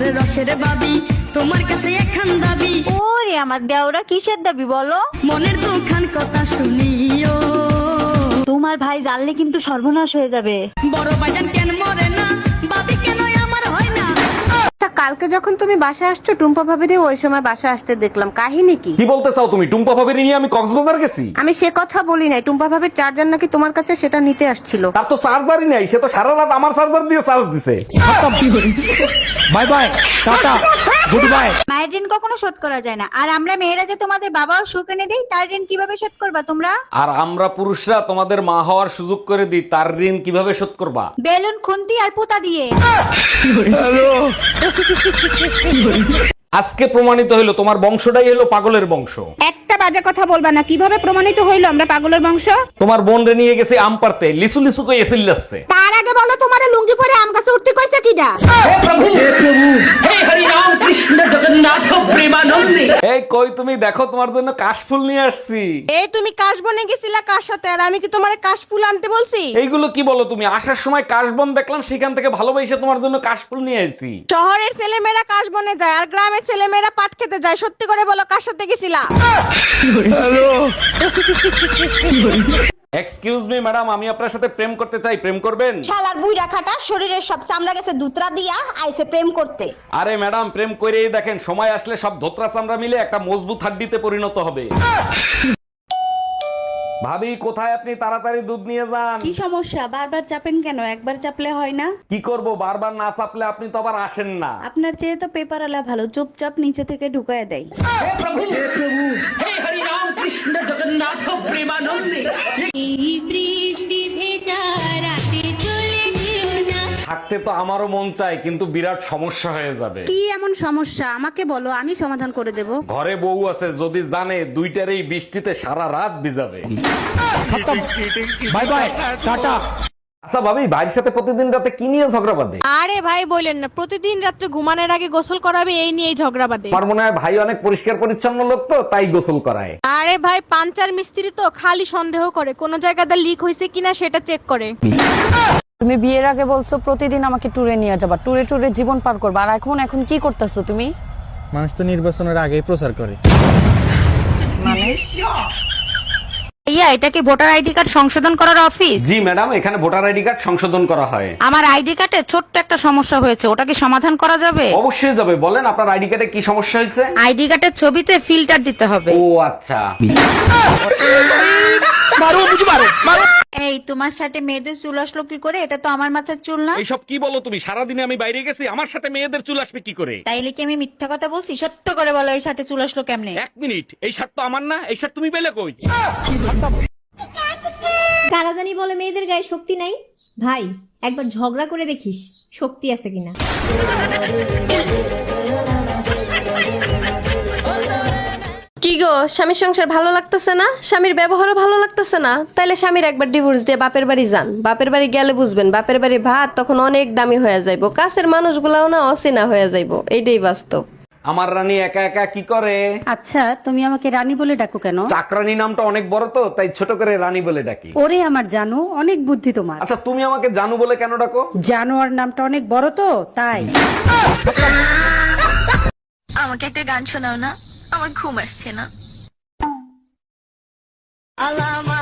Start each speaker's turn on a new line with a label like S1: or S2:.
S1: আমার রসের বাবি তোমার কাছে এখন দাবি।
S2: ওরে আমার দেওরা কিসের দাবি বলো?
S1: মনের দুখান কথা শুনিও,
S2: তোমার ভাই জানলে কিন্তু সর্বনাশ হয়ে যাবে।
S1: বড় ভাইজান কেন মরে না, বাবি কেন আমার হয় না।
S3: কালকে যখন তুমি বাসা আসছো টুম্পা ভাবিরে ওই সময় বাসা আসতে দেখলাম, কাহিনী কি?
S4: কি বলতে চাও তুমি? টুম্পা ভাবির নিয়ে আমি কক্সবাজার গেছি?
S3: আমি সে কথা বলি নাই, টুম্পা ভাবির চার্জার নাকি তোমার কাছে, সেটা নিতে আসছিল।
S4: তার তো চার্জারই নাই, সে তো সারা রাত আমার চার্জার দিয়ে চার্জ দিছে। Bye bye, tata, good bye.
S2: মায়ের ঋণ কখনো শোধ করা যায় না, আর আমরা মেয়েরা যে তোমাদের বাবাও সুখ এনে দেই, তার ঋণ কিভাবে শোধ করবা তোমরা?
S4: আর আমরা পুরুষরা তোমাদের মা হওয়ার সুযোগ করে দিই, তার ঋণ কিভাবে শোধ করবা?
S2: বেলুন, খুন্তি আর পুতা দিয়ে।
S4: আজকে প্রমাণিত হইলো তোমার বংশটাই হলো পাগলের বংশ।
S3: একটা বাজে কথা বলবা না। কিভাবে প্রমাণিত হইলো আমরা পাগলের বংশ?
S4: তোমার বোন রে নিয়ে গেছে আম পারতে, লিসু লিসু কই এসিল যাচ্ছে।
S3: তার আগে বলো তোমারে লুঙ্গি পরে আম গাছে উঠতে কইছে কিডা?
S4: এই কই তুমি, দেখো তোমার জন্য কাশফুল নিয়ে আসছি।
S3: এই তুমি কাশবনে গেছিলা কার সাথে, আর আমি কি তোমারে কাশফুল আনতে বলছি?
S4: এইগুলো কি বলো তুমি? আসার সময় কাশবন দেখলাম, সেখান থেকে ভালোবাসে তোমার জন্য কাশফুল নিয়ে আসছি।
S3: শহরের ছেলেমেয়েরা কাশবনে যায় আর গ্রামের ছেলেমেয়েরা পাট খেতে যায়। সত্যি করে বলো কার সাথে গেছিলা?
S4: এক্সকিউজ মি ম্যাডাম, আমি আপনার সাথে প্রেম করতে চাই, প্রেম করবেন?
S5: শালার বুইড়া খাটা শরীরের সব চামড়া গেছে দুতরা দিয়া আইছে প্রেম করতে।
S4: আরে ম্যাডাম, প্রেম করেই দেখেন, সময় আসলে সব ধোত্রা চামড়া মিলে একটা মজবুত হাড্ডিতে পরিণত হবে। ভাবি কোথায় আপনি? তাড়াতাড়ি দুধ নিয়ে যান।
S2: কি সমস্যা? বারবার চাপেন কেন? একবার চাপলে হয় না?
S4: কি করব, বারবার না চাপলে আপনি তো আবার আসেন না।
S2: আপনার চেয়ে তো পেপার আলা ভালো, চুপচাপ নিচে থেকে ঢুকায় দেয়।
S4: থাকতে তো আমারও মন চায়, কিন্তু বিরাট সমস্যা হয়ে যাবে।
S3: কি এমন সমস্যা আমাকে বলো, আমি সমাধান করে দেব।
S4: ঘরে বউ আছে, যদি জানে দুইটারই বৃষ্টিতে সারা রাত ভিজাবে। By bye, tata. আচ্ছা ভাবি, ভাইয়ের সাথে প্রতিদিন রাতে কি নিয়ে ঝগড়া বাঁধে?
S3: আরে ভাই বলেন না, প্রতিদিন রাত্রে ঘুমানোর আগে গোসল করাবে, এই নিয়েই ঝগড়া বাঁধে।
S4: আমার মনে হয় ভাই অনেক পরিষ্কার পরিচ্ছন্ন লোক, তো তাই গোসল করায়।
S3: আরে ভাই পাঞ্চার মিস্ত্রি তো খালি সন্দেহ করে কোন জায়গাতে লিক হয়েছে কিনা সেটা চেক করে।
S6: তুমি বিয়ের আগে বলছো প্রতিদিন আমাকে ট্যুরে নিয়ে যাবা, ট্যুরে ট্যুরে জীবন পার করবা, আর এখন কি করতেছো তুমি?
S7: মানুষ তো নির্বাচনের আগেই প্রচার করে।
S2: ইয়া, এটা কি ভোটার আইডি কার্ড সংশোধন করার অফিস?
S4: জি ম্যাডাম, এখানে ভোটার আইডি কার্ড সংশোধন করা হয়।
S2: আমার আইডি কার্ডে ছোট্ট একটা সমস্যা হয়েছে, ওটা কি সমাধান করা যাবে?
S4: অবশ্যই যাবে, বলেন আপনার আইডি কার্ডে কি সমস্যা হয়েছে?
S2: আইডি কার্ডের ছবিতে ফিল্টার দিতে হবে।
S4: ও আচ্ছা।
S5: এই তোমার সাথে মেয়েদের চুল আসলো কি করে? এটা তো আমার মাথার চুল না।
S4: এইসব কি বলো তুমি? সারাদিনে আমি বাইরে গেছি, আমার সাথে মেয়েদের চুল আসবে কি করে?
S5: তাইলে কি আমি মিথ্যা কথা বলছি? সত্য করে বলো, এই সাথে চুল আসলো কেমনে?
S4: এক মিনিট, এই শার্ট তো আমার না, এই শার্ট তুমি পেলে কই?
S8: কারা জানি বলে মেয়েদের গায়ে শক্তি নাই। ভাই একবার ঝগড়া করে দেখিস শক্তি আছে কিনা।
S9: কি গো, স্বামীর সংসার ভালো লাগতেছে না? স্বামীর ব্যবহারও ভালো লাগতেছে না? তাইলে স্বামীর একবার ডিভোর্স দিয়ে বাপের বাড়ি যান। বাপের বাড়ি গেলে বুঝবেন, বাপের বাড়ি ভাত তখন অনেক দামি হয়ে যাইবো, কাছের মানুষগুলাও না অচেনা হয়ে যাইবো। এইটাই বাস্তব।
S4: আমার রানী একা একা কি করে?
S10: আচ্ছা তুমি আমাকে রানী বলে ডাকো কেন?
S4: চাকরানী নামটা অনেক বড় তো, তাই ছোট করে রানী বলে ডাকি।
S10: ওরে আমার জানো, অনেক বুদ্ধি তোমার।
S4: আচ্ছা তুমি আমাকে জানু বলে কেন ডাকো?
S10: জানোয়ার নামটা অনেক বড় তো তাই।
S2: আমাকে একটা গান শোনাও না, আমার ঘুম আসছে না।